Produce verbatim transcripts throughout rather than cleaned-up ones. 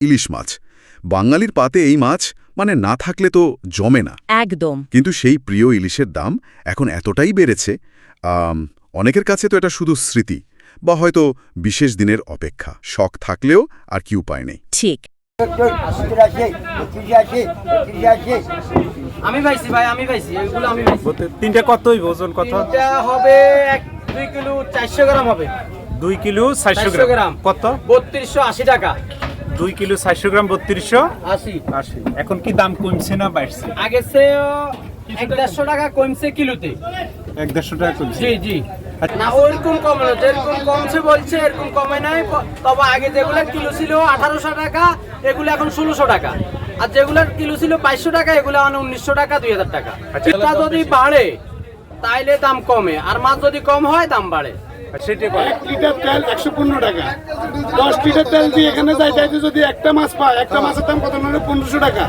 ইলিশ মাছ। বাঙালির পাতে এই মাছ মানে না থাকলে তো জমে না একদম। কিন্তু সেই প্রিয় ইলিশের দাম এখন এতটাই বেড়েছে, অনেকের কাছে তো এটা শুধু স্মৃতি বা হয়তো বিশেষ দিনের অপেক্ষা। শখ থাকলেও আর কি উপায় নেই। ঠিক। আমি পাইছি ভাই, আমি পাইছি এগুলো আমি পাইছি। তিনটা কতই ওজন কত? এটা হবে এক দুই কিলো চারশো গ্রাম হবে। দুই কিলো চারশো গ্রাম কত? বত্রিশশো আশি টাকা। দুই কিলো চারশো গ্রাম বত্রিশশো আশি আশি। এখন কি দাম কমছে না বাড়ছে? আগে চেয়ে এক দেড়শো টাকা কমছে কিলোতে। এক দেড়শো টাকা কমছে। জি জি। না ওইরকম কমে না, যেরকম কমছে বলছে এরকম কমে নাই। তবে আগে যেগুলো কিলো ছিল আঠারোশো টাকা, এগুলো এখন ষোলোশো টাকা। আর যেগুলোর কিলো ছিল বাইশশো টাকা, এগুলো এখন উনিশশো টাকা দুই হাজার টাকা। এটা যদি বাড়ে তাইলে দাম কমে, আর মাছ যদি কম হয় দাম বাড়ে। এক লিটার তেল একশো পনেরো টাকা। দশ লিটার তেল দিয়ে এখানে যাই যাইতে যদি একটা মাছ পায়, একটা মাছের দাম কত হলো? পনেরোশো টাকা।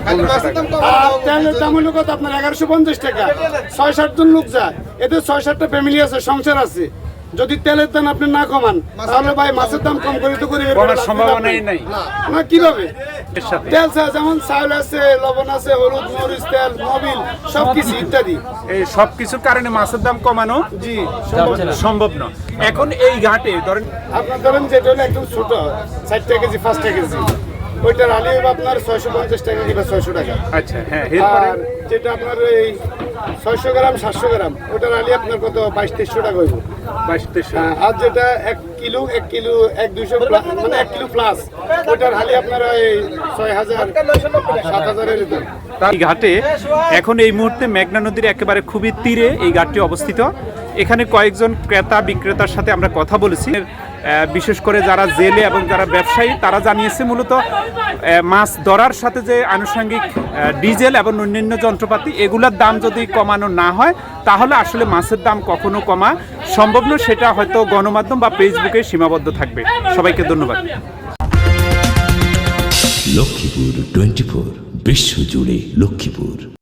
আর তেলের দাম হলো কত আপনার? এগারোশো পঞ্চাশ টাকা। ছয় সাত জন লোক যায়, এতে ছয় সাতটা ফ্যামিলি আছে, সংসার আছে। যদি তেলের দাম আপনি না কমান তাহলে ভাই মাছের দাম কম করে তো গরিবের সম্ভাবনাই নাই না। কিভাবে? তেল যেমন চাউল আছে, লবণ আছে, হলুদ, মরিচ, তেল, মোবিল সবকিছু ইত্যাদি, এই সবকিছুর কারণে মাছের দাম কমানো জি সম্ভব না। এখন এই ঘাটে ধরেন আপনার ধরেন যেটা হলো একদম ছোট ষাটটা কেজি পাঁচটা কেজি, ওইটার আলি হবে আপনার ছয়শো পঞ্চাশ টাকা কিংবা ছয়শো টাকা। আচ্ছা হ্যাঁ। আর যেটা আপনার এই ছয়শো গ্রাম সাতশো গ্রাম, ওটার আলি আপনার কত? বাইশ তেইশশো টাকা হইব। বাইশ তেইশশো। আর যেটা এক কিলো এক কিলো এক দুইশো মানে এক কিলো প্লাস, ওটার আলি আপনার এই ছয় হাজার সাত হাজারের দাম। এই ঘাটে এখন এই মুহূর্তে মেঘনা নদীর একেবারে খুবই তীরে এই ঘাটটি অবস্থিত। এখানে কয়েকজন ক্রেতা বিক্রেতার সাথে আমরা কথা বলেছি। বিশেষ করে যারা জেলে এবং যারা ব্যবসায়ী তারা জানিয়েছে মূলত মাছ ধরার সাথে যে আনুষঙ্গিক ডিজেল এবং অন্যান্য যন্ত্রপাতি এগুলোর দাম যদি কমানো না হয় তাহলে আসলে মাছের দাম কখনো কমা সম্ভব নয়। সেটা হয়তো গণমাধ্যম বা ফেসবুকে সীমাবদ্ধ থাকবে। সবাইকে ধন্যবাদ। লক্ষ্মীপুর টোয়েন্টি ফোর, বিশ্বজুড়ে লক্ষ্মীপুর।